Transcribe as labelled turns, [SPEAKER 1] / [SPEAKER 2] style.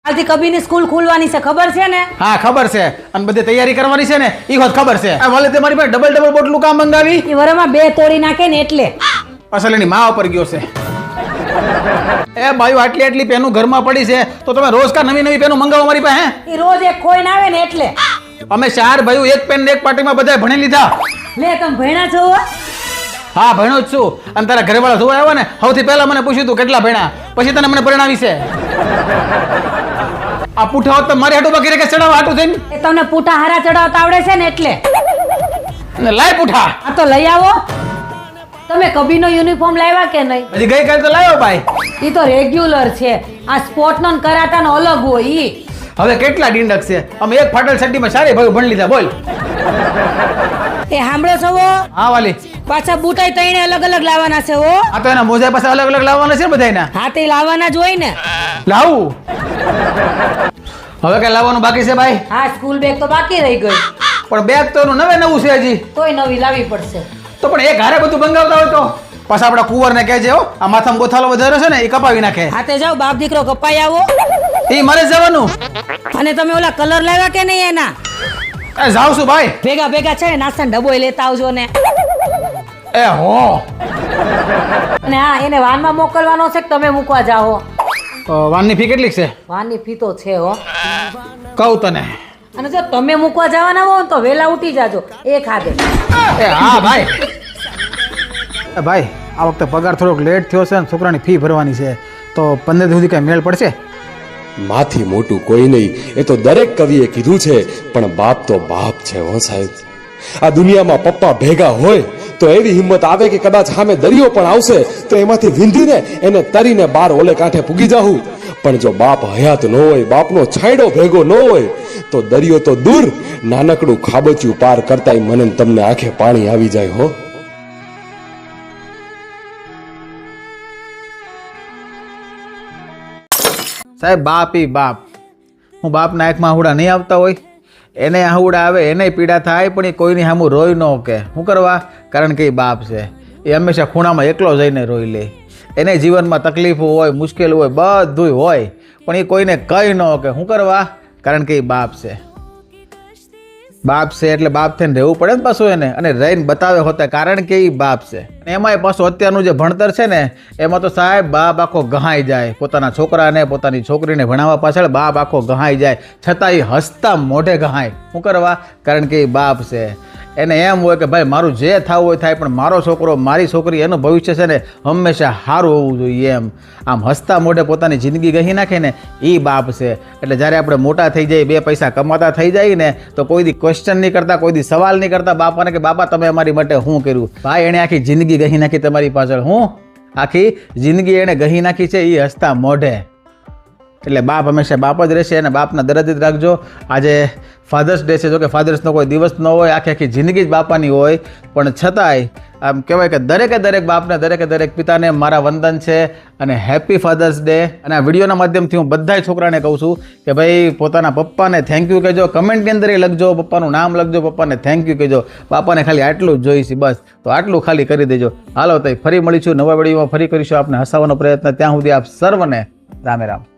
[SPEAKER 1] આજથી કબીરની સ્કૂલ ખુલવાની છે, ખબર છે ને?
[SPEAKER 2] હા ખબર છે, અને બધી તૈયારી કરવાની છે ને એ વાત ખબર છે. આ વાલે તમારી પાસે ડબલ બોટલું કામ મંગાવી
[SPEAKER 1] એ વરમાં 2 તોડી નાખે ને એટલે.
[SPEAKER 2] અસલ એની માં ઉપર ગયો છે. એ ભાઈ આટલી પેનું ઘરમાં પડી છે તો તમે રોજ કા નવી પેનું મંગાવો મારી પાસે?
[SPEAKER 1] એ રોજ એક ખોઈને આવે ને એટલે.
[SPEAKER 2] અમે 4 ભાઈઓ એક પેન ને એક પાર્ટીમાં બધાય ભણી લીધા.
[SPEAKER 1] લે તમે ભણ્યા છો?
[SPEAKER 2] હા ભણ્યો જ છું. અને તારા ઘરવાળા જોવા આવ્યા ને સૌથી પહેલા મને પૂછ્યું તું કેટલા ભણ્યા, પછી તને મને પરણાવી છે. આ પૂઠા હોત તો મારી હાટુ બાકી રે કે ચડાવ હાટુ થઈને
[SPEAKER 1] એ તમને પૂઠા હારા ચડાવતા આવડે છે ને એટલે.
[SPEAKER 2] અને લાય પૂઠા.
[SPEAKER 1] આ તો લઈ આવો. તમે કબીરનો યુનિફોર્મ લાવ્યા કે નહીં?
[SPEAKER 2] હજી ગઈકાલે તો લાવ્યો ભાઈ.
[SPEAKER 1] ઈ તો રેગ્યુલર છે. આ સ્પોર્ટનો ને કરાટાનો અલગ હોય ઈ.
[SPEAKER 2] હવે કેટલા ડીંડક છે, અમે એક ફાટલ સટ્ટીમાં સારી ભાઈ ભણી લીધા. બોલ
[SPEAKER 1] એ સાંભળો છો?
[SPEAKER 2] હા વાલી,
[SPEAKER 1] પાછા બુટાઈ તઈને અલગ અલગ લાવવાના છે હો.
[SPEAKER 2] આ તો એના મોજા પાસે અલગ અલગ લાવવાના છે બધાયના.
[SPEAKER 1] હા તે લાવવાના જ હોય ને.
[SPEAKER 2] લાવું હવે કઈ લાવવાનું બાકી છે ભાઈ?
[SPEAKER 1] હા સ્કૂલ બેગ તો બાકી રહી ગઈ.
[SPEAKER 2] પણ બેગ તો એનું નવું છે હજી.
[SPEAKER 1] તોય નવી લાવવી પડશે.
[SPEAKER 2] તો પણ એક હારે બધું મંગાવતા હોય તો પાછા આપડા કુંવરને કહેજે હો, આ માથામાં ગોથાલો વધારે છે ને એ કપાવી નાખે.
[SPEAKER 1] હા તે જાઓ બાપ દીકરો કપાઈ આવો.
[SPEAKER 2] એ મારે જવાનું.
[SPEAKER 1] અને તમે ઓલા કલર લાવ્યા કે નહીં એના?
[SPEAKER 2] એ જાઉં છું ભાઈ.
[SPEAKER 1] ભેગા છે ને નાસ્તાનો ડબ્બો લેતા આવજો ને.
[SPEAKER 2] એ હો.
[SPEAKER 1] અને હા એને વાનમાં મોકલવાનો છે કે તમે મૂકવા જાઓ?
[SPEAKER 2] વાનની ફી કેટલી છે?
[SPEAKER 1] વાનની ફી તો છે હો.
[SPEAKER 2] કહું તને.
[SPEAKER 1] અને જો તમે મૂકવા જવાના હો તો વેલા ઉઠી જાજો. એ ખાધે.
[SPEAKER 2] એ હા ભાઈ. એ ભાઈ આ વખતે પગાર થોડોક લેટ થયો છે ને છોકરાની ફી ભરવાની છે, તો 15 સુધી કઈ મેળ પડશે?
[SPEAKER 3] માથી મોટું કોઈ નહીં, એ તો દરેક કવિએ કીધું છે. પણ બાપ તો બાપ છે હો સાહેબ. આ દુનિયામાં પપ્પા ભેગા હોય તો એવી હિંમત આવે કે કદાચ સામે દરિયો પણ આવશે તો એમાંથી વિંધીને એને તરીને બાર ઓલે કાંઠે પૂગી જાઉં. પણ જો બાપ હયાત ન હોય, બાપનો છાંયડો ભેગો ન હોય તો દરિયો તો દૂર, નાનકડું ખાબચિયું પાર કરતાય મને ને તમને આંખે પાણી આવી જાય હો.
[SPEAKER 2] સાહેબ બાપ ઈ બાપ. હું બાપના આંખમાં આહુડા નહીં આવતા હોય, એને આહુડા આવે એને પીડા થાય, પણ એ કોઈની સામું રોઈ ન કે. શું કરવા? કારણ કે એ બાપ છે. એ હંમેશા ખૂણામાં એકલો જઈને રોઈ લે. એને જીવનમાં તકલીફો હોય, મુશ્કેલ હોય, બધું હોય, પણ એ કોઈને કહી ન કે. શું કરવા? કારણ કે એ બાપ છે. બાપ છે એટલે બાપ થઈને રહેવું પડે ને પાછું એને, અને રહીને બતાવે હોતા કારણ કે એ બાપ છે. એમાંય પાછું અત્યારનું જે ભણતર છે ને એમાં તો સાહેબ બાપ આખો ગહાઈ જાય. પોતાના છોકરાને પોતાની છોકરીને ભણાવવા પાછળ બાપ આખો ગહાઈ જાય, છતાં એ હસતા મોઢે ગહાય. શું કરવા? કારણ કે એ બાપ છે. એને એમ હોય કે ભાઈ મારું જે થવું હોય થાય, પણ મારો છોકરો મારી છોકરી એનું ભવિષ્ય છે ને હંમેશા સારું હોવું જોઈએ. એમ આમ હસતા મોઢે પોતાની જિંદગી ગહી નાખે ને એ બાપ છે. એટલે જ્યારે આપણે મોટા થઈ જઈએ, 2 પૈસા કમાતા થઈ જાય ને, તો કોઈ દી ક્વેશ્ચન નહીં કરતા, કોઈ દી સવાલ નહીં કરતા બાપાને કે બાપા તમે અમારી માટે શું કર્યું. ભાઈ એણે આખી જિંદગી ગહી નાખી તમારી પાછળ. હું આખી જિંદગી એણે ગહી નાખી છે એ હસતા મોઢે. એટલે બાપ હંમેશા બાપ જ રહેશે, અને બાપના દરદ જ રાખજો. આજે ફાધર્સ ડે છે, જો કે ફાધર્સનો કોઈ દિવસ ન હોય, આખી જિંદગી જ બાપાની હોય, પણ છતાંય આમ કહેવાય કે દરેક બાપને દરેક પિતાને મારા વંદન છે અને હેપી ફાધર્સ ડે. અને આ વિડીયોના માધ્યમથી હું બધાય છોકરાને કહું છું કે ભાઈ પોતાના પપ્પાને થેન્ક યુ કહેજો. કમેન્ટની અંદર લખજો, પપ્પાનું નામ લખજો, પપ્પાને થેન્ક યુ કહેજો. બાપાને ખાલી આટલું જ જોઈશે બસ, તો આટલું ખાલી કરી દેજો. હાલો તો ફરી મળીશું નવા વિડીયોમાં, ફરી કરીશું આપને હસાવવાનો પ્રયત્ન. ત્યાં સુધી આપ સર્વને રામે રામ.